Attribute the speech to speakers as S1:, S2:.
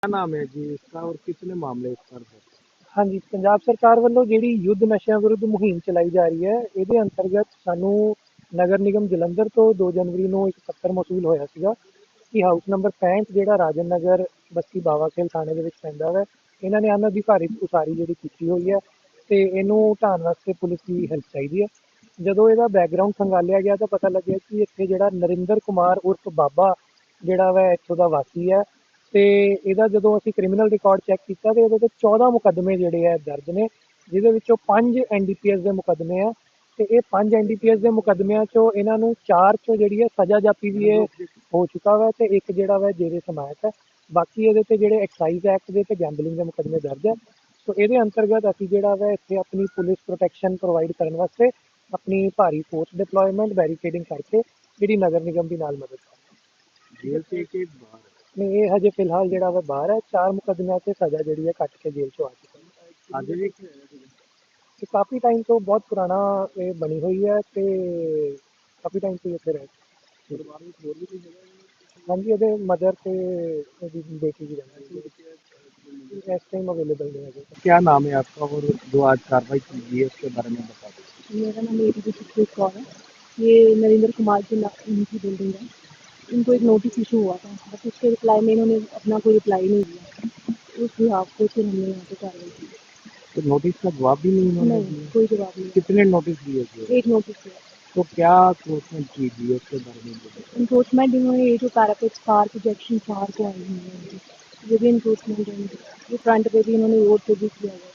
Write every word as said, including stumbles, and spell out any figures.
S1: क्या नाम है जी इसका और कितने मामले इस पर है?
S2: ਹਾਂਜੀ, ਪੰਜਾਬ ਸਰਕਾਰ ਵੱਲੋਂ ਜਿਹੜੀ ਯੁੱਧ ਨਸ਼ਿਆਂ ਵਿਰੁੱਧ ਮੁਹਿੰਮ ਚਲਾਈ ਜਾ ਰਹੀ ਹੈ, ਇਹਦੇ ਅੰਤਰਗਤ ਸਾਨੂੰ ਨਗਰ ਨਿਗਮ ਜਲੰਧਰ ਤੋਂ ਦੋ ਜਨਵਰੀ ਨੂੰ ਇੱਕ ਪੱਤਰ ਮੌਸੂਲ ਹੋਇਆ ਸੀਗਾ ਕਿ ਹਾਊਸ ਨੰਬਰ ਪੈਂਹਠ ਜਿਹੜਾ ਰਾਜਨ ਨਗਰ ਬਸਤੀ ਬਾਵਾਖੇਲ ਥਾਣੇ ਦੇ ਵਿੱਚ ਪੈਂਦਾ ਹੈ, ਇਹਨਾਂ ਨੇ ਅਣਅਧਿਕਾਰਿਤ ਉਸਾਰੀ ਜਿਹੜੀ ਕੀਤੀ ਹੋਈ ਹੈ ਅਤੇ ਇਹਨੂੰ ਢਾਉਣ ਵਾਸਤੇ ਪੁਲਿਸ ਦੀ ਹੈਲਪ ਚਾਹੀਦੀ ਹੈ। ਜਦੋਂ ਇਹਦਾ ਬੈਕਗਰਾਊਂਡ ਖੰਗਾਲਿਆ ਗਿਆ ਤਾਂ ਪਤਾ ਲੱਗਿਆ ਕਿ ਇੱਥੇ ਜਿਹੜਾ ਨਰਿੰਦਰ ਕੁਮਾਰ ਉਰਫ ਬਾਬਾ ਜਿਹੜਾ ਵਾ ਇੱਥੋਂ ਦਾ ਵਾਸੀ ਹੈ ਅਤੇ ਇਹਦਾ ਜਦੋਂ ਅਸੀਂ ਕ੍ਰਿਮੀਨਲ ਰਿਕਾਰਡ ਚੈੱਕ ਕੀਤਾ ਤਾਂ ਇਹਦੇ 'ਤੇ ਚੌਦਾਂ ਮੁਕੱਦਮੇ ਜਿਹੜੇ ਹੈ ਦਰਜ ਨੇ, ਜਿਹਦੇ ਵਿੱਚੋਂ ਪੰਜ ਐਨ ਡੀ ਪੀ ਐਸ ਦੇ ਮੁਕੱਦਮੇ ਆ ਅਤੇ ਇਹ ਪੰਜ ਐਨ ਡੀ ਪੀ ਐਸ ਦੇ ਮੁਕੱਦਮਿਆਂ 'ਚੋਂ ਇਹਨਾਂ ਨੂੰ ਚਾਰ 'ਚੋਂ ਜਿਹੜੀ ਹੈ ਸਜ਼ਾ ਜਾਪੀ ਵੀ ਇਹ ਹੋ ਚੁੱਕਾ ਵਾ ਅਤੇ ਇੱਕ ਜਿਹੜਾ ਵਾ ਜੇਰੇ ਸਮਾਇਤ ਹੈ। ਬਾਕੀ ਇਹਦੇ 'ਤੇ ਜਿਹੜੇ ਐਕਸਾਈਜ਼ ਐਕਟ ਦੇ ਅਤੇ ਗੈਂਬਲਿੰਗ ਦੇ ਮੁਕੱਦਮੇ ਦਰਜ ਹੈ। ਸੋ ਇਹਦੇ ਅੰਤਰਗਤ ਅਸੀਂ ਜਿਹੜਾ ਵਾ ਇੱਥੇ ਆਪਣੀ ਪੁਲਿਸ ਪ੍ਰੋਟੈਕਸ਼ਨ ਪ੍ਰੋਵਾਈਡ ਕਰਨ ਵਾਸਤੇ ਆਪਣੀ ਭਾਰੀ ਫੋਰਸ ਡਿਪਲੋਇਮੈਂਟ ਬੈਰੀਕੇਡਿੰਗ ਕਰਕੇ ਜਿਹੜੀ ਨਗਰ ਨਿਗਮ ਦੀ ਨਾਲ ਮਦਦ ਕਰ
S1: जेल से एक एक बार
S2: ਨਹੀਂ, ਇਹ ਹਜੇ ਫਿਲਹਾਲ ਜਿਹੜਾ ਵਾ ਬਾਹਰ ਹੈ। ਚਾਰ ਮੁਕੱਦਮਿਆਂ 'ਤੇ ਸਜ਼ਾ ਜਿਹੜੀ ਹੈ ਕੱਟ ਕੇ ਜੇਲ੍ਹ 'ਚੋਂ ਆ ਚੁੱਕਾ ਹੈ।
S1: आगे भी
S2: ਇਹ ਕਾਫੀ ਟਾਈਮ ਤੋਂ ਬਹੁਤ ਪੁਰਾਣਾ ਇਹ ਬਣੀ ਹੋਈ ਹੈ ਅਤੇ ਕਾਫੀ ਟਾਈਮ ਤੋਂ ਇੱਥੇ ਰਹਿ
S1: परिवार में और भी कोई जगह
S2: ਹਾਂਜੀ, ਇਹਦੇ ਮਦਰ ਅਤੇ ਇਹਦੀ ਬੇਟੀ ਵੀ ਰਹਿੰਦੀ ਹੈ। ਇਸ ਟਾਈਮ ਅਵੇਲੇਬਲ नहीं है।
S1: क्या नाम है आपका और जो आज कार्रवाई की गई है उसके बारे में बता दीजिए।
S3: मेरा नाम A T G Sukhpreet Kaur है। ये नरेंद्र कुमार की ना- इनकी बिल्डिंग है। इनको एक नोटिस इशू हुआ था, बट उसके रिप्लाई में इन्होंने अपना कोई रिप्लाई नहीं दिया। उस हिसाब से फिर हमने यहाँ पे कार्रवाई की।
S1: तो नोटिस का जवाब भी नहीं उन्होंने
S3: नहीं,
S1: दिया?
S3: कोई जवाब नहीं।
S1: कितने नोटिस दिए थे?
S3: एक नोटिस दिया।
S1: तो क्या क्रोचमेंट की गई है उसके बारे में बताइए।
S3: इन्क्रोचमेंट इन्होंने ये जो पैरापेक्स पार्क प्रोजेक्शन पार्क को आई हुई है, ये भी इन्क्रोचमेंट है। ये फ्रंट पे भी इन्होंने रोड पे भी किया हुआ है।